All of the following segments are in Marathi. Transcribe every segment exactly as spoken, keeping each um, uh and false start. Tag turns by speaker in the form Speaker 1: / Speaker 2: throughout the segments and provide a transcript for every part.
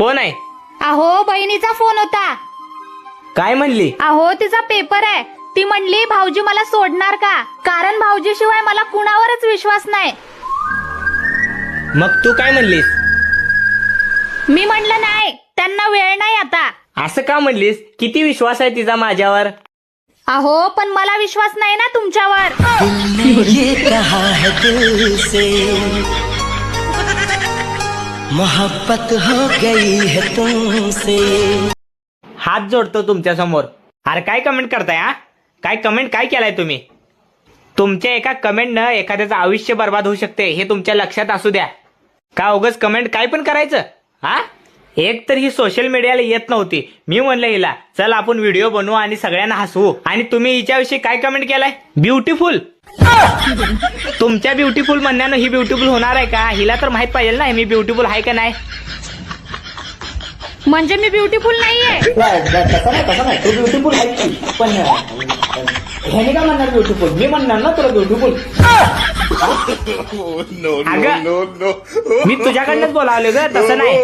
Speaker 1: कोण आहे?
Speaker 2: अहो बहिणीचा फोन होता.
Speaker 1: काय म्हणली?
Speaker 2: अहो तिचा पेपर आहे. ती म्हणली भाऊजी मला सोडणार का, कारण भाऊजी शिवाय मला कुणावरच विश्वास नाही.
Speaker 1: मग तू काय म्हणलीस?
Speaker 2: मी म्हणलं नाही, त्यांना वेळ नाही आता.
Speaker 1: असं का म्हणलीस? किती विश्वास आहे तिचा माझ्यावर?
Speaker 2: अहो पण मला विश्वास नाही ना तुमच्यावर.
Speaker 3: ये कहा है दिल से मोहब्बत हो गई है तुमसे.
Speaker 1: हात जोडतो तुमच्या समोर. अरे काय कमेंट करताय? हा काय कमेंट काय केलाय तुम्ही? तुमच्या एका कमेंटनं एखाद्याचं आयुष्य बर्बाद होऊ शकते हे तुमच्या लक्षात असू द्या. का उगाच कमेंट काय पण करायचं? हा एक तर ही सोशल मीडियाला येत नव्हती. मी म्हणलं हिला चल आपण व्हिडिओ बनवू आणि सगळ्यांना हसवू, आणि तुम्ही हिच्याविषयी काय कमेंट केलाय? ब्युटिफुल. तुमच्या ब्युटिफुल म्हणण्यानं ही ब्युटिफुल होणार आहे का? हिला तर माहित पाहिजे ना मी ब्युटिफुल आहे का नाही.
Speaker 2: म्हणजे मी ब्युटिफुल नाहीये?
Speaker 1: तसं नाही तसं नाही, तू ब्युटिफुल आहे पण ह्याने काय म्हणणार ब्युटिफुल? मी म्हणणार ना तुला ब्युटिफुल. अगं मी तुझ्याकडनंच बोलावले ग, तसं नाही.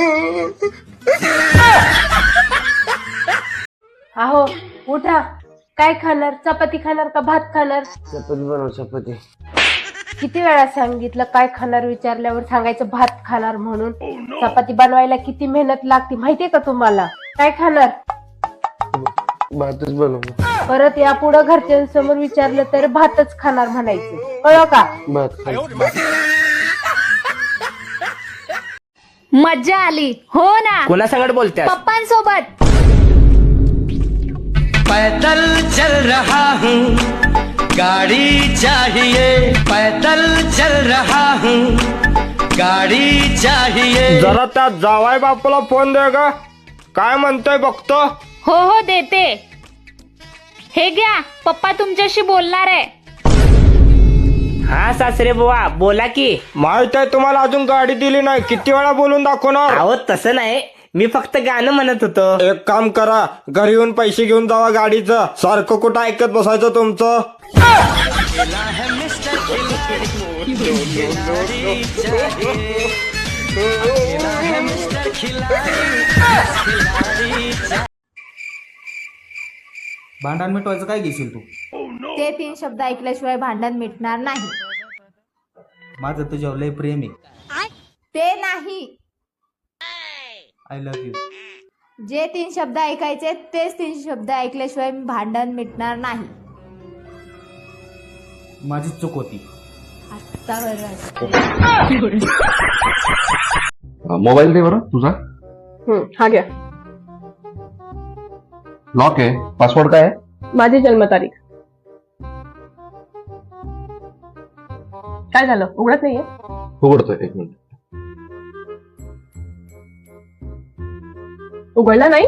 Speaker 4: अहो उठा. काय खाणार? चपाती खाणार का भात खाणार?
Speaker 1: चपाती बनव चपाती.
Speaker 4: किती वेळा सांगितलं काय खाणार विचारल्यावर सांगायचं भात खाणार म्हणून. चपाती बनवायला किती मेहनत लागते माहितीये का तुम्हाला? काय खाणार?
Speaker 5: भातच बनव.
Speaker 4: परत यापुढे घरच्यांसमोर विचारलं तर भातच खाणार म्हणायचं, कळलं का?
Speaker 5: भात.
Speaker 2: मज्जा आली हो ना?
Speaker 1: कोणासंगत बोलत्यास?
Speaker 2: पप्पांसोबत.
Speaker 3: पैदल चल रहा हूँ गाड़ी चाहिए, पैदल चल रहा हूँ गाडी चाहिए.
Speaker 5: जरा त्या जावाय बापूला फोन दे ग, काय म्हणतोय बघतो.
Speaker 2: हो हो देते. हे घ्या, पप्पा तुमच्याशी बोलणार आहे.
Speaker 1: हा सासरे बुवा बोला की.
Speaker 5: माहित आहे तुम्हाला अजून गाडी दिली नाही, किती वेळा बोलून दाखवणार.
Speaker 1: अहो तसं नाही, मी फक्त गाणं म्हणत होतो.
Speaker 5: एक काम करा, घरी येऊन पैसे घेऊन जावा गाडीचं. सारखं कुठं ऐकत बसायचं तुमचं.
Speaker 6: भांडण मिटवायचं काय घेशील तू?
Speaker 2: ते तीन शब्द ऐकल्याशिवाय भांडण मिटणार नाही.
Speaker 6: माझं तुझ्यावर लय प्रेम आहे.
Speaker 2: ते नाही,
Speaker 6: आय लव्ह यू.
Speaker 2: जे तीन शब्द ऐकायचे तेच तीन शब्द ऐकल्याशिवाय भांडण मिटणार नाही.
Speaker 6: माझी चूक होती.
Speaker 2: आता
Speaker 7: मोबाईल दे बरं तुझा.
Speaker 4: हा घ्या.
Speaker 7: लॉक आहे, पासवर्ड काय आहे?
Speaker 4: माझी जन्मतारीख. काय झालं? उघडत नाहीये?
Speaker 7: उघडतोय, एक मिनिट.
Speaker 4: उघडला नाही?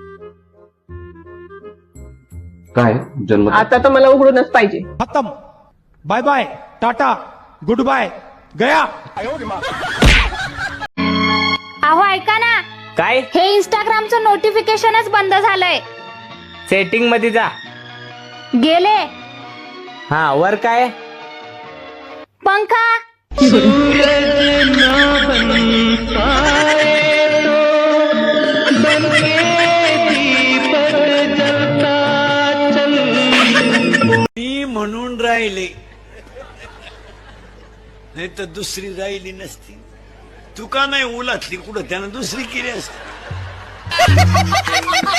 Speaker 7: काय जन्म?
Speaker 4: आता तर मला उघडूनच पाहिजे.
Speaker 8: खत्म. Bye bye, tata, goodbye, गया.
Speaker 2: अहो ऐका ना,
Speaker 1: काय?
Speaker 2: हे इंस्टाग्रामचं नोटिफिकेशनच बंद झालंय.
Speaker 1: सेटिंग मध्ये जा.
Speaker 2: गेले.
Speaker 1: हा वर काय?
Speaker 2: पंखा.
Speaker 9: मी म्हणून राहिले नाही तर दुसरी राहिली नसती. तू का नाही उलातली कुठं? त्यानं दुसरी केली असती.